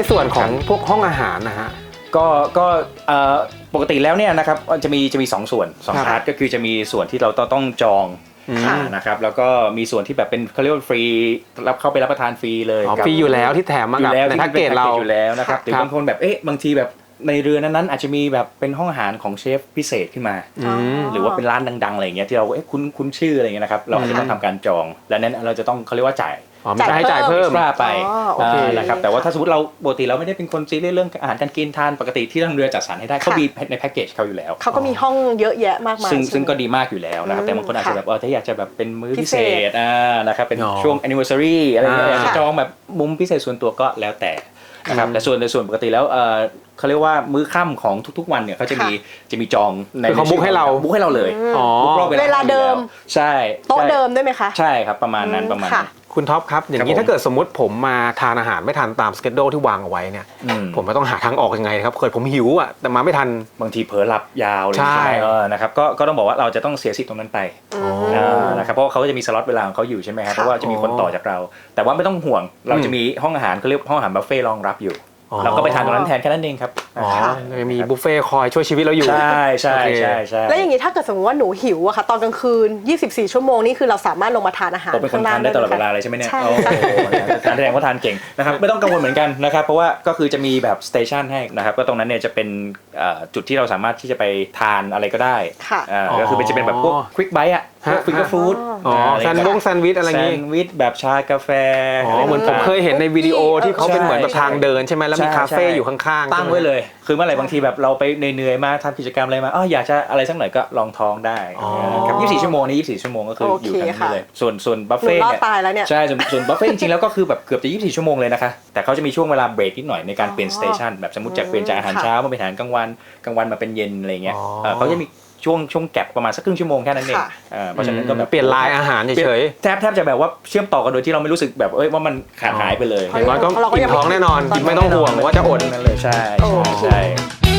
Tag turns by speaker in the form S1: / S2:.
S1: ในส่วนของพวกห้องอาหารนะฮะ
S2: ก็ปกติแล้วเนี่ยนะครับจะมี2ส่วน2พาร์ทก็คือจะมีส่วนที่เราต้องจองนะครับแล้วก็มีส่วนที่แบบเป็นเขาเรียกว่าฟรีรับเข้าไปรับประทานฟรีเลย
S1: ฟรีอยู่แล้วที่แถมมากับในแพ็กเกจเรา
S2: อยู่แล้วนะครับหรือบางคนแบบบางทีแบบในเรือนั้นอาจจะมีแบบเป็นห้องอาหารของเชฟพิเศษขึ้นมาหรือว่าเป็นร้านดังๆอะไรอย่างเงี้ยที่เราคุ้นชื่ออะไรเงี้ยนะครับเราจะต้องทำการจองและนั้นเราจะต้องเขาเรียกว่าจ่าย
S1: เพิ่ม
S2: ไปนะครับแต่ว่าถ้าสมมติเราปกติเราไม่ได้เป็นคนซีเรียสเรื่องอาหารการกินทานปกติที่ทางเรือจัดสรรให้ได้เขามีในแพ็กเกจเขาอยู่แล้ว
S3: เขาก็มีห้องเยอะแยะมากมาย
S2: ซึ่งก็ดีมากอยู่แล้วนะครับแต่บางคนอาจจะแบบถ้าอยากจะแบบเป็นมื้อพิเศษนะครับเป็นช่วง anniversary อะไรเงี้ยอยากจะจองแบบมุมพิเศษส่วนตัวก็แล้วแต่นะครับแต่ส่วนปกติแล้วเขาเรียกว่ามื้อค่ำของทุกๆวันเนี่ยเขาจะมีจอง
S1: ในเขาบุ๊กให้เรา
S2: เลย
S3: เวลาเดิม
S2: ใช่
S3: โต๊ะเดิมด้วยไหมคะ
S2: ใช่ครับประมาณนั้น
S1: คุณท็อปครับอย่างนี้ถ้าเกิดสมมติผมมาทานอาหารไม่ทันตามสเกจโดที่วางเอาไว้เนี่ยผมไม่ต้องหาทางออกยังไงครับเคยผมหิวอ่ะแต่มาไม่ทัน
S2: บางทีเผลอหลับยาวเลยใช่นะครับก็ต้องบอกว่าเราจะต้องเสียสิทธิ์ตรงนั้นไปนะครับเพราะเขาจะมีสล็อตเวลาของเขาอยู่ใช่ไหมครับเพราะว่าจะมีคนต่อจากเราแต่ว่าไม่ต้องห่วงเราจะมีห้องอาหารเขาเรียกห้องอาหารบุฟเฟ่รองรับอยู่เราก็ไปทานตรงนั้นแทนแค่นั้นเองครับ
S1: มีบุฟเฟ่คอยช่วยชีวิตเราอยู่
S2: ใช่
S3: แล้วอย่างนี้ถ้าเก เกิดสมมติว่าหนูหิวอะค่ะตอนกลางคืน24ชั่วโมงนี่คือเราสามารถลงมาทานอาหาร
S2: ข้างล่างได้ตลอดเวลาเลยใช่ไหมเนี่ย
S3: ใช่
S2: ทานแสดงว่าทานเก่งนะครับไม่ต้องกังวลเหมือนกันนะครับเพราะว่าก็คือจะมีแบบสเตชันให้นะครับก็ตรงนั้นเนี่ยจะเป็นจุดที่เราสามารถที่จะไปทานอะไรก็ได้ก็คือจะเป็นแบบพวกควิกไบต์อะฟิงเกอร์ฟู้ด
S1: แซนด์วิชอะไรอย่างงี้
S2: แซนด์วิชแบบชากาแฟ
S1: เหมือนผมเคยเห็นในวิดีโอที่เขาเป็นเหมือนแบบทางเดินใช่ไหมแล้วมีคาเฟ่อยู่ข้างๆ
S2: ตั้งไว้เลยคือเมื่อไหร่บางทีแบบเราไปเหนื่อยๆมาทำกิจกรรมอะไรมาอยากจะอะไรสักหน่อยก็ลองท้องได้ครับ24ชั่วโมงนี่24ชั่วโมงก็คืออยู่กันนี่เลยส่วนบัฟเฟ่
S3: เนี่ย
S2: ใช่ส่วนบัฟเฟ่จริงๆแล้วก็คือแบบเกือบจะ24ชั่วโมงเลยนะคะแต่เขาจะมีช่วงเวลาเบรกนิดหน่อยในการเปลี่ยนสเตชันแบบสมมติจากเปลี่ยนจากอาหารเช้ามาเป็นอาหารกลางวันมาเป็นเย็นอะไรเงี้ยเขาจะมีช่วงแก็บประมาณสักครึ่งชั่วโมงแค่นั้นเองเพราะฉะนั้นก็แบบ
S1: เปลี่ยนลายอาหารเฉย
S2: ๆแทบจะแบบว่าเชื่อมต่อกันโดยที่เราไม่รู้สึกแบบว่ามันขาดหายไปเลย
S1: อย่างน้อยก็อิ่มท้องแน่นอนไม่ต้องห่วงว่าจะอด
S2: นั่นเลยใช่